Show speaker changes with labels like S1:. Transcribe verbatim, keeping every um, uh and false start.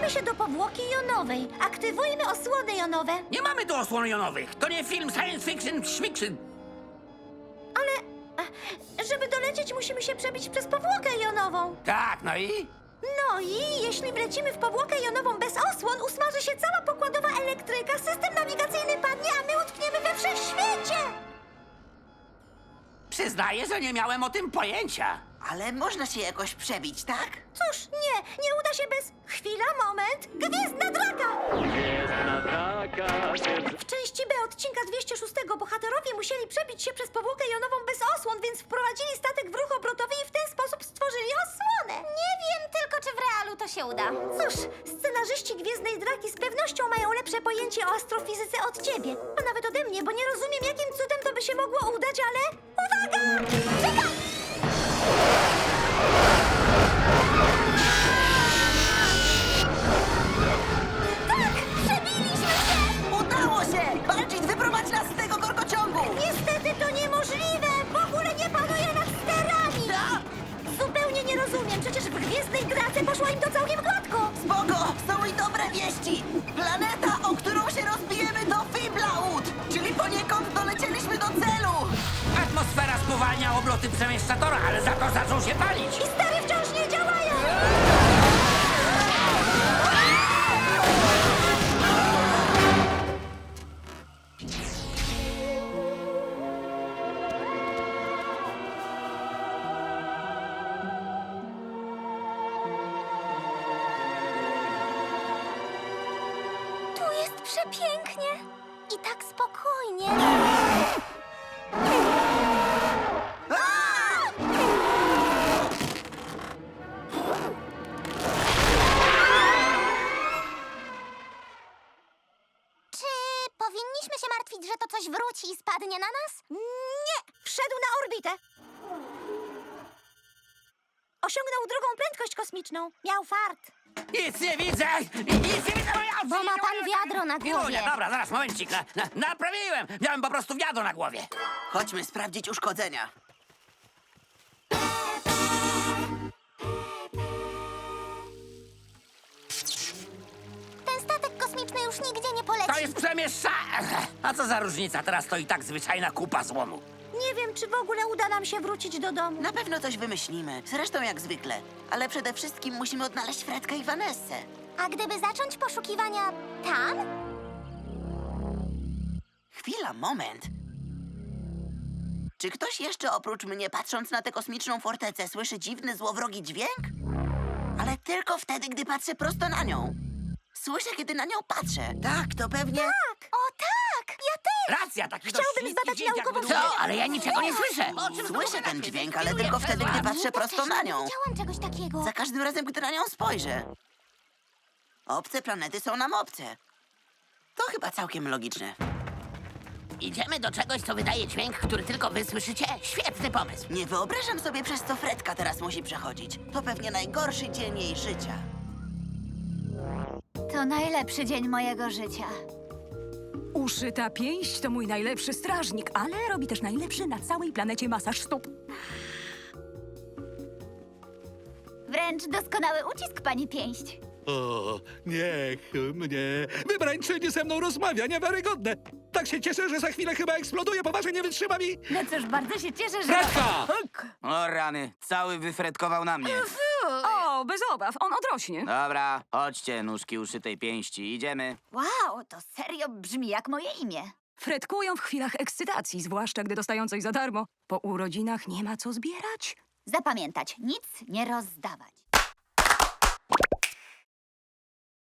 S1: Zbliżamy się do powłoki jonowej. Aktywujmy osłony jonowe.
S2: Nie mamy tu osłon jonowych. To nie film science fiction, fiction.
S1: Ale e, żeby dolecieć, musimy się przebić przez powłokę jonową.
S2: Tak, no i?
S1: No i jeśli wlecimy w powłokę jonową bez osłon, usmaży się cała pokładowa elektryka, system nawigacyjny padnie, a my utkniemy we wszechświecie.
S2: Przyznaję, że nie miałem o tym pojęcia.
S3: Ale można się jakoś przebić, tak?
S1: Cóż, nie, nie uda się bez... Chwila, moment. Gwiezdna draka! W części B odcinka dwieście sześć bohaterowie musieli przebić się przez powłokę jonową bez osłon, więc wprowadzili statek w ruch obrotowy i w ten sposób stworzyli osłonę. Nie wiem tylko, czy w realu to się uda. Cóż, scenarzyści Gwiezdnej Draki z pewnością mają lepsze pojęcie o astrofizyce od ciebie, a nawet ode mnie, bo nie rozumiem, jakim cudem to by się mogło udać, ale... Uwaga! Czekaj! Tak! Przebiliśmy się!
S3: Udało się! Balczyk, wyprowadź nas z tego korkociągu!
S1: Niestety to niemożliwe! W ogóle nie panuję nad sterami! Zupełnie nie rozumiem, przecież w Gwiezdnej Drace poszło im to całkiem gładko!
S3: Spoko! Są i dobre wieści! Planeta, o którą się rozbijemy, to Fiblaut! Czyli poniekąd dolecieliśmy do celu!
S2: Atmosfera spowalnia obroty przemieszczatora, ale za to zaczął się palić.
S1: I stery wciąż nie działają! Tu jest przepięknie i tak spokojnie. Czy powinniśmy się martwić, że to coś wróci i spadnie na nas? Nie! Wszedł na orbitę! Osiągnął drugą prędkość kosmiczną. Miał fart.
S2: Nic nie widzę! Nic nie widzę! No ja-
S1: Bo ma pan wiadro na głowie.
S2: Julia, dobra, zaraz, momencik. Na, na, naprawiłem! Miałem po prostu wiadro na głowie.
S3: Chodźmy sprawdzić uszkodzenia.
S1: Ten statek kosmiczny już nigdzie nie poleci.
S2: To jest przemieszcza... A co za różnica? Teraz to i tak zwyczajna kupa złomu.
S1: Nie wiem, czy w ogóle uda nam się wrócić do domu.
S3: Na pewno coś wymyślimy. Zresztą jak zwykle. Ale przede wszystkim musimy odnaleźć Fredka i Vanessę.
S1: A gdyby zacząć poszukiwania tam?
S3: Chwila, moment. Czy ktoś jeszcze oprócz mnie, patrząc na tę kosmiczną fortecę, słyszy dziwny, złowrogi dźwięk? Ale tylko wtedy, gdy patrzę prosto na nią. Słyszę, kiedy na nią patrzę. Tak, to pewnie...
S1: Tak! O tak! Ja też!
S2: Racja, taki
S1: Chciałbym
S2: dość śliski
S1: zbadać
S2: dźwięk,
S1: naukową
S2: jakby- Co? Ale ja niczego nie słyszę.
S3: Słyszę ten dźwięk, ale tylko wtedy, gdy patrzę prosto na nią.
S1: Nie widziałam czegoś takiego.
S3: Za każdym razem, gdy na nią spojrzę. Obce planety są nam obce. To chyba całkiem logiczne.
S2: Idziemy do czegoś, co wydaje dźwięk, który tylko wy słyszycie? Świetny pomysł.
S3: Nie wyobrażam sobie, przez co Fredka teraz musi przechodzić. To pewnie najgorszy dzień jej życia.
S1: To najlepszy dzień mojego życia.
S4: Uszyta pięść to mój najlepszy strażnik, ale robi też najlepszy na całej planecie masaż stóp.
S1: Wręcz doskonały ucisk, pani pięść.
S5: O, niech mnie. Wybrańcze nie ze mną rozmawia, niewiarygodne. Tak się cieszę, że za chwilę chyba eksploduje, poważnie nie wytrzymam i...
S1: No cóż, bardzo się cieszę, że...
S5: Fredka!
S6: O rany, cały wyfretkował na mnie.
S4: O, bez obaw, on odrośnie.
S6: Dobra, chodźcie, nóżki uszytej pięści, idziemy.
S1: Wow, to serio brzmi jak moje imię.
S4: Fretkują w chwilach ekscytacji, zwłaszcza gdy dostają coś za darmo. Po urodzinach nie ma co zbierać.
S1: Zapamiętać, nic nie rozdawać.